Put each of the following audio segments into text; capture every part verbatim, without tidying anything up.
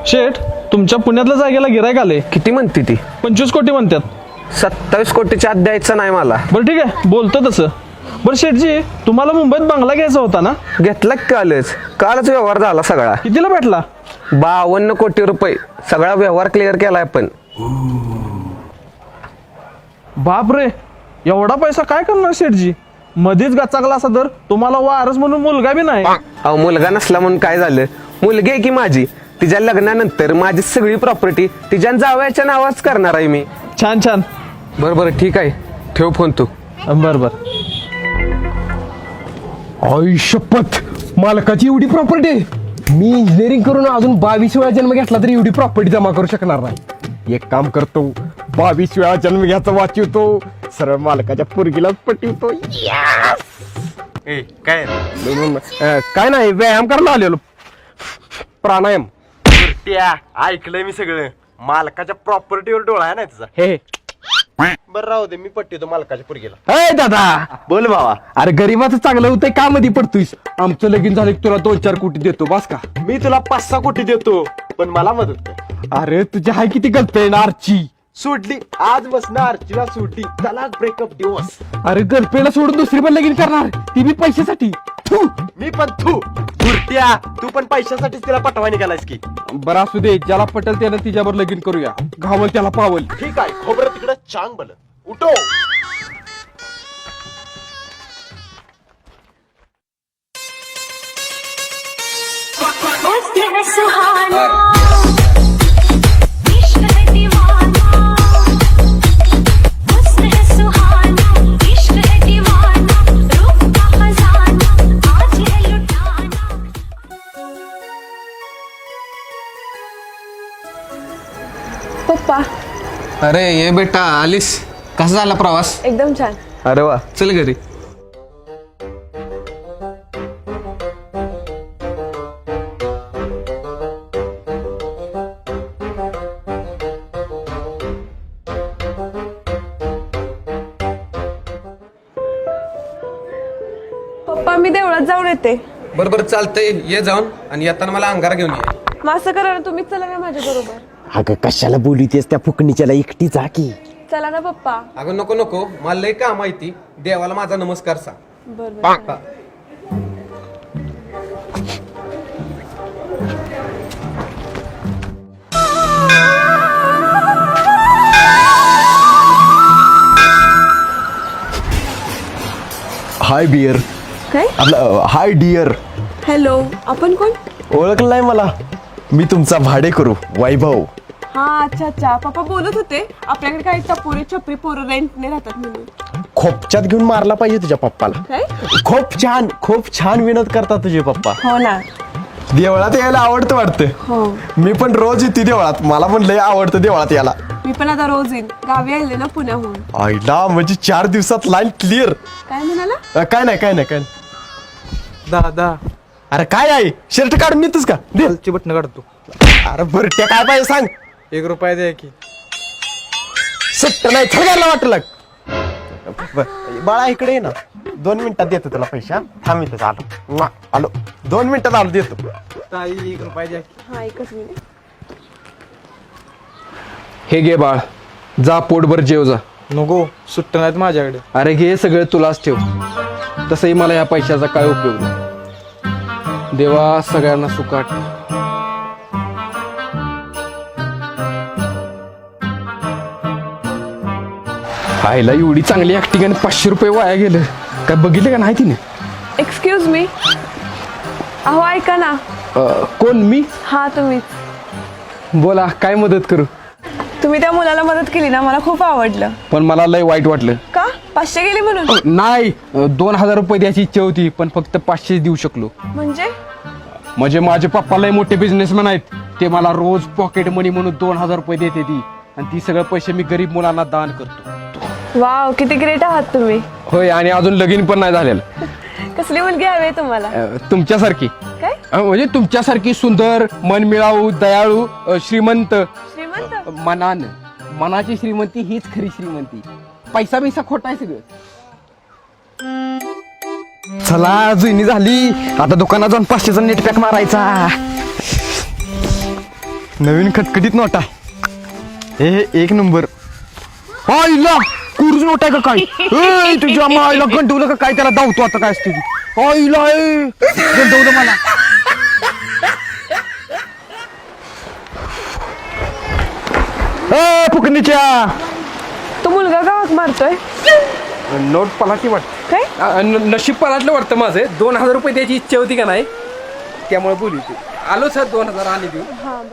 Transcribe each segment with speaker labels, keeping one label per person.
Speaker 1: शेठ, तुमच्या पुण्यातल्या जागेला गिरायक आले.
Speaker 2: किती म्हणते ती?
Speaker 1: पंचवीस कोटी म्हणतात.
Speaker 2: सत्तावीस कोटीच्या आत द्यायचं नाही मला.
Speaker 1: बरं ठीक आहे, बोलतो तसं. बरं शेठजी, तुम्हाला मुंबईत बंगला घ्यायचा होता ना?
Speaker 2: घेतला की कालच कालच व्यवहार झाला सगळा.
Speaker 1: कितीला भेटला?
Speaker 2: बावन्न कोटी रुपये. सगळा व्यवहार क्लिअर केलाय पण.
Speaker 1: बाप रे, एवढा पैसा काय करणार शेठजी? मध्येच गचाकला असा तर तुम्हाला वारस म्हणून मुलगा बी नाही.
Speaker 2: अहो, मुलगा नसला म्हणून काय झालं? मुलगी आहे की माझी. तिच्या लग्नानंतर माझी सगळी प्रॉपर्टी तिच्या जावयाच्या नावाच करणार आहे मी.
Speaker 1: छान छान.
Speaker 2: बरं बरं ठीक आहे, ठेव फोन तू.
Speaker 1: बर बर.
Speaker 3: आई शपथ, मालकाची एवढी प्रॉपर्टी. मी इंजिनिअरिंग करून अजून बावीस वेळा जन्म घेतला तरी एवढी प्रॉपर्टी जमा करू शकणार नाही. एक काम करतो, बावीस वेळा जन्म घ्यायचा वाचवतो, सरळ मालकाच्या पोरगीलाच पटवतो.
Speaker 4: ए काय
Speaker 3: अं, काय नाही, व्यायाम करायला आलेलो. प्राणायाम.
Speaker 4: त्या ऐकलंय मी सगळं. मालकाच्या प्रॉपर्टीवर डोळा आहे ना तुझा.
Speaker 3: हे
Speaker 4: बरं राहू दे, मी पट्टी मालकाच्या पोरगीला.
Speaker 3: अय दादा,
Speaker 4: बोल भावा.
Speaker 3: अरे गरीबाचं चांगलं होतंय, का मध्ये पडतोयस? आमचं लगीन झालं की तुला दोन चार कोटी देतो, बस का?
Speaker 4: मी तुला पाच सहा कोटी देतो, पण मला मदत कर.
Speaker 3: अरे तुझी हाय किती गर्लफ्रेंड आरची?
Speaker 4: सुटली आज बसणार अर्चना, सुटली. चला ब्रेकअप दिवस.
Speaker 3: अरे गर्लफ्रेंडला सोडून दुसरी पण लगीन करणार, ती बी पैशासाठी. थू.
Speaker 4: मी पण तू बुरट्या, तू पण पैशासाठीच तिला पटवा निघालायस की.
Speaker 3: बरं असू दे, ज्याला पटेल त्यानं तिच्यावर लगीन करूया. घावल त्याला पावल.
Speaker 4: ठीक आहे, खोबरं तिकडं चांग बल. उठो.
Speaker 5: वक्त है सुहाना, इश्क है दीवाना, वक्त है सुहाना, इश्क है दीवाना, रूप का खजाना आज है लुटाना.
Speaker 6: पप्पा,
Speaker 2: अरे ये बेटा, आलीस? कसा झाला प्रवास?
Speaker 6: एकदम छान.
Speaker 2: अरे वा, चल घरी.
Speaker 6: पप्पा, मी देवळात जाऊन येते.
Speaker 2: बरं बरं चालतंय, ये जाऊन, आणि येताना मला अंगार घेऊन ये.
Speaker 6: मग असं करा ना, तुम्हीच चला ना माझ्या बरोबर.
Speaker 3: अगं कशाला बोलतेस त्या फुकणीच्याला? एकटी जा की.
Speaker 6: चला ना पप्पा.
Speaker 2: अगं नको नको, मला लय काम माहिती. देवाला माझा नमस्कार सांग.
Speaker 6: बर बर.
Speaker 2: हा.
Speaker 3: हाय बियर.
Speaker 6: काय?
Speaker 3: आपलं हाय डिअर.
Speaker 6: हॅलो, आपण कोण?
Speaker 3: ओळखलं नाही मला? मी तुमचा भाडे करू वैभव.
Speaker 6: हा, अच्छा अच्छा. पप्पा बोलत होते आपल्याकडे काही टपोरे छपरी पोरं रेंटने राहतात म्हणून.
Speaker 3: खोपच्यात घेऊन मारला पाहिजे तुझ्या पप्पाला.
Speaker 6: काय?
Speaker 3: खूप छान, खूप छान विनोद करतात तुझे पप्पा.
Speaker 6: हो ना.
Speaker 3: देवळात यायला आवडतं वाटतं.
Speaker 6: हो,
Speaker 3: मी पण रोज येते देवळात. मला पण लय आवडतं देवळात यायला.
Speaker 6: मी पण आता रोज येईन. गावी आले ना पुण्याहून.
Speaker 3: आईला, म्हणजे चार दिवसात लाईन क्लिअर.
Speaker 6: काय म्हणाला?
Speaker 3: काय नाही काय नाही काय नाही.
Speaker 4: दादा,
Speaker 3: अरे काय आहे, शर्ट काढून येतोस का? दे.
Speaker 4: खालची बटन काढतो.
Speaker 3: अरे बरं, त्या काय पाहिजे सांग.
Speaker 4: एक रुपया द्या की.
Speaker 3: सुट्ट नाही, थगायला वाटलं. बाळा इकडे ये ना, दोन मिनिटात देतो तुला पैसे. हा? थांब इथं, आलो. म्वा, आलो, दोन मिनिटात आलो, देतो.
Speaker 4: ताई एक रुपया द्या की.
Speaker 6: हा, एकच मिनिट.
Speaker 1: हे घे बाळ, जा पोटभर जेव जा.
Speaker 4: नको, सुट्ट नाहीत माझ्याकडे.
Speaker 1: अरे घे, सगळं तुलाच ठेव. तसंही मला या पैशाचा काय उपयोग नाही. देवा सगळ्यांना सुखाट. आईला एवढी चांगली ऍक्टिंग आणि पाचशे रुपये वाया गेलं. काय बघितलं का नाही तिने?
Speaker 6: Excuse me. अहो ऐका ना.
Speaker 1: अं, कोण मी?
Speaker 6: हा, तुम्हीच.
Speaker 1: बोला, काय मदत करू?
Speaker 6: तुम्ही त्या मुलाला मदत केली ना, मला खूप आवडलं.
Speaker 1: पण मला लय वाईट वाटलं.
Speaker 6: का? पाचशे गेली म्हणून?
Speaker 1: अं, नाही, अं, दोन हजार रुपये द्यायची इच्छा होती, पण फक्त पाचशे देऊ शकलो.
Speaker 6: म्हणजे?
Speaker 1: म्हणजे माझे पप्पा लय मोठे बिझनेसमॅन आहेत. ते मला रोज पॉकेट मनी म्हणून दोन हजार रुपये देते ती, आणि ती सगळे पैसे मी गरीब मुलांना दान करतो.
Speaker 6: वाव, किती ग्रेट आहात तुम्ही.
Speaker 1: होय, आणि अजून लगीन पण नाही झालेलं.
Speaker 6: कसली मुलगी हवी तुम्हाला?
Speaker 1: अं, तुमच्यासारखी.
Speaker 6: काय?
Speaker 1: अं, म्हणजे तुमच्यासारखी सुंदर, मनमिळाऊ, दयाळू, अं, श्रीमंत.
Speaker 6: श्रीमंत?
Speaker 1: मनान मनाची श्रीमंती हीच खरी श्रीमंती. पैसा बिसा खोटा आहे सगळं. चला, जुनी झाली. आता दुकानात जाऊन पाचशेचा नेट पॅक मारायचा.
Speaker 4: नवीन खटखटीत नोट आहे हे एक नंबर.
Speaker 3: आईला कुर्ज नोट आहे का काय? ए, तुझ्या माईला गंडवलं का काय? त्याला धावतो आता काय असते ती. आईला ए, गंडवलं मला. ए फुकणीच्या
Speaker 6: तो मुलगा गावात मारतोय
Speaker 1: नोट पलाटी वाटत
Speaker 6: काय?
Speaker 1: नशीब पलाटलं वाटतं माझं. दोन हजार रुपये द्यायची इच्छा होती का नाही, त्यामुळे बोलू तू. आलो सर दोन हजार आणि देऊ.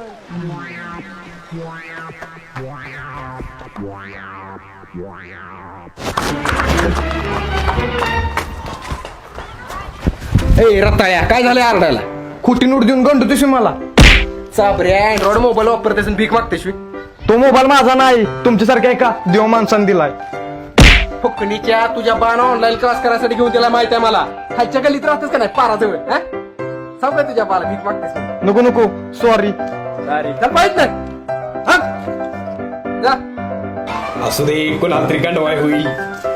Speaker 1: ए रताळ्या, काय झालंय आरडायला?
Speaker 3: खोटी नोट देऊन गंडवतोस मला.
Speaker 1: चाबरे अँड्रॉइड मोबाईल वापरतेस भीक मागतेस.
Speaker 3: तो मोबाईल माझा नाही, तुमच्यासारखा आहे का? देव माणसाने दिलाय.
Speaker 1: फुकणीच्या तुझ्या बाण ऑनलाईन क्लास करायसाठी घेऊन त्याला माहिती आहे मला. खायच्या गल्लीत राहतेस का नाही पाराजवळ? हा? सांग का तुझ्या बाला भीक मागतेस?
Speaker 3: नको नको सॉरी.
Speaker 1: अरे चल पाहिजे नाही. हा? जा.
Speaker 3: असू दे, कोणातरी गंडवाय होईल.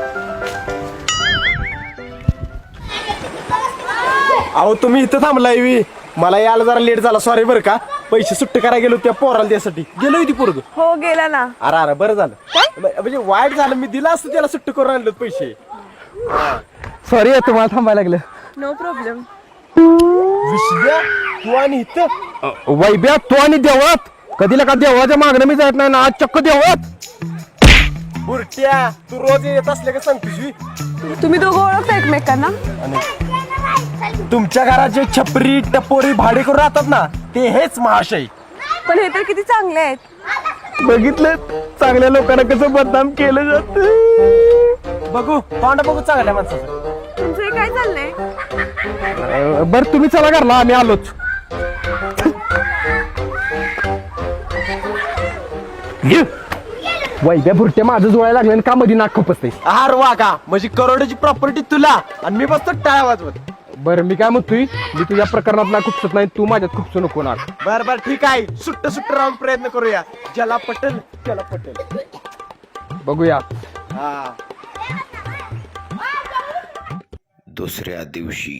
Speaker 4: अहो तुम्ही इथं थांबलाय वी. मला यायला जरा लेट झाला, सॉरी बरं का. पैसे सुट्ट करायला गेलो त्या पोराला त्यासाठी गेलो ती पोरग.
Speaker 6: हो गेला ना.
Speaker 4: अरे अरे बरं झालं. म्हणजे वाईट झालं, मी दिला असतं त्याला सुट्ट करून आणलं पैसे.
Speaker 3: सॉरी तुम्हाला थांबायला लागलं.
Speaker 6: No problem.
Speaker 4: विश्ल्या तू आणि इथं
Speaker 3: वैब्या तू आणि देवळात कधीला का देवाच्या मागणं मी जात नाही ना, आज चक्क देवळात.
Speaker 4: बुरट्या तू रोज येत असले का सांगतोस.
Speaker 6: तुम्ही दोघं ओळखता एकमेकांना?
Speaker 4: तुमच्या घरात जे छपरी टपोरी भाडे करून राहतात ना, ते हेच महाशय.
Speaker 6: पण हे तर किती चांगले आहेत.
Speaker 3: बघितलं चांगल्या लोकांना कसं बदनाम केलं जात.
Speaker 4: बघू तोंड बघू चांगल्या माणसाचं.
Speaker 6: तुमचं हे काय चाललंय?
Speaker 3: बर तुम्ही चला घरला, आम्ही आलोच. वैद्या भुरट्या माझं जोडायला लागलं आणि का मध्ये नाक खपसते.
Speaker 4: आर वा का, म्हणजे करोडाची प्रॉपर्टी तुला आणि मी बसतो टाळ्या वाजवत.
Speaker 3: बरं मी काय म्हणतोय, मी तुझ्या प्रकरणात ना खुपसत नाही, तू माझ्यात खुपसू नको ना.
Speaker 4: बर बर ठीक आहे, सुट्ट सुट्ट राहून प्रयत्न करूया. ज्याला पटेल त्याला पटेल.
Speaker 3: बघूया.
Speaker 4: हा
Speaker 7: दुसऱ्या दिवशी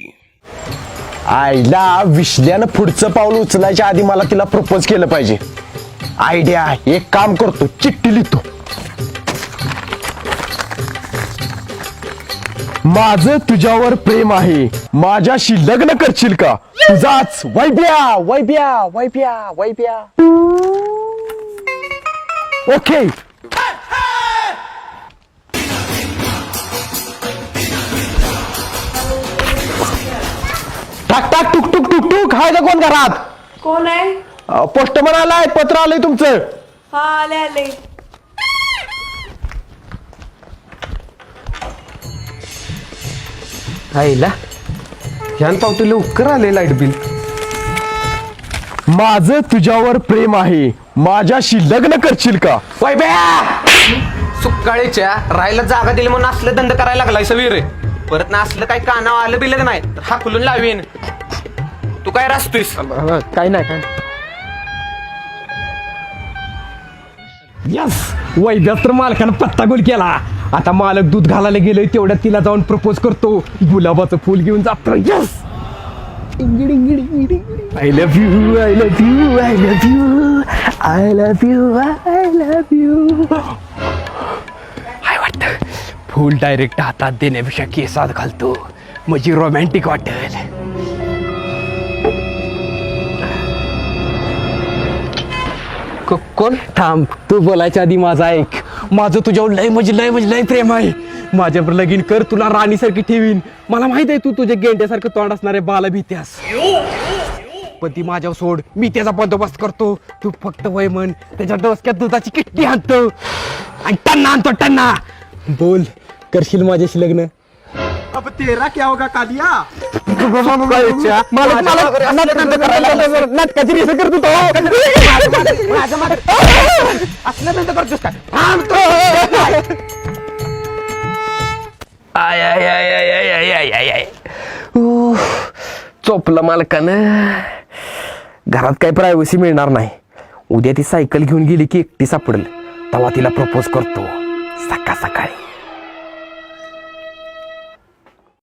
Speaker 4: आईला विश्ल्यानं पुढचं पाऊल उचलायच्या आधी मला तिला प्रपोज केलं पाहिजे. आयडिया, एक काम करतो, चिठ्ठी लिहितो. माझं तुझ्यावर प्रेम आहे, माझ्याशी लग्न करशील का? तुझाच वैब्या वैब्या वैब्या वैब्या. ओके. टाक टाक टुक टुक टुक टुक. हाय का कोण घरात?
Speaker 6: कोण आहे?
Speaker 4: पोस्टमन आलाय, पत्र आलंय तुमचं.
Speaker 6: हा आले आले.
Speaker 2: आईला ह्यान पावती लवकर आले लाईट बिल.
Speaker 4: माझं तुझ्यावर प्रेम आहे, माझ्याशी लग्न करशील का?
Speaker 2: सुकाळीच्या राहायला जागा दिली म्हणून असलं दंड करायला लागलाय सवीर. परत ना असलं काही कानावर आलं बिलं नाही तर हाकलून लावीन. तू काय रास्तोयस?
Speaker 3: काय नाही काय. यस, वैद्यात तर मालकानं पत्ता गोल केला. आता मालक दूध घालायला गेलोय तेवढ्यात तिला जाऊन प्रपोज करतो, गुलाबाचं फुल घेऊन जातो. Yes. I love you, I love you, I love you, I love you, I love you. काय वाटतं, फुल डायरेक्ट हातात देण्यापेक्षा केसात घालतो म्हणजे रोमॅन्टिक वाटेल. कोण? थांब, तू बोलायच्या आधी माझा ऐक. माझं तुझ्यावर लय म्हणजे लय म्हणजे लय प्रेम आहे. माझ्यावर लगीन कर, तुला राणीसारखी ठेवीन. मला माहित आहे तू तुझ्या गेंड्यासारखं तोंड असणाऱ्या बाला भीत्यास, पण ती माझ्यावर सोड, मी त्याचा बंदोबस्त करतो. तू फक्त वय म्हण, त्याच्या डोसक्यात दुधाची किट्टी आणतो आणि टन्ना आणतो टन्ना. बोल, करशील माझ्याशी लग्न?
Speaker 4: अब तेरा क्या होगा कालिया?
Speaker 3: नाटकाची रिसर्च करतो तो.
Speaker 2: असलं दंड करतोस का?
Speaker 3: आय आय आय आय आय आय आय आय आय. उफ, चोपलं मालकानं. घरात काही प्रायव्हसी मिळणार नाही. उद्या ती सायकल घेऊन गेली की एकटी सापडेल, तेव्हा तिला प्रपोज करतो सकाळ सकाळी.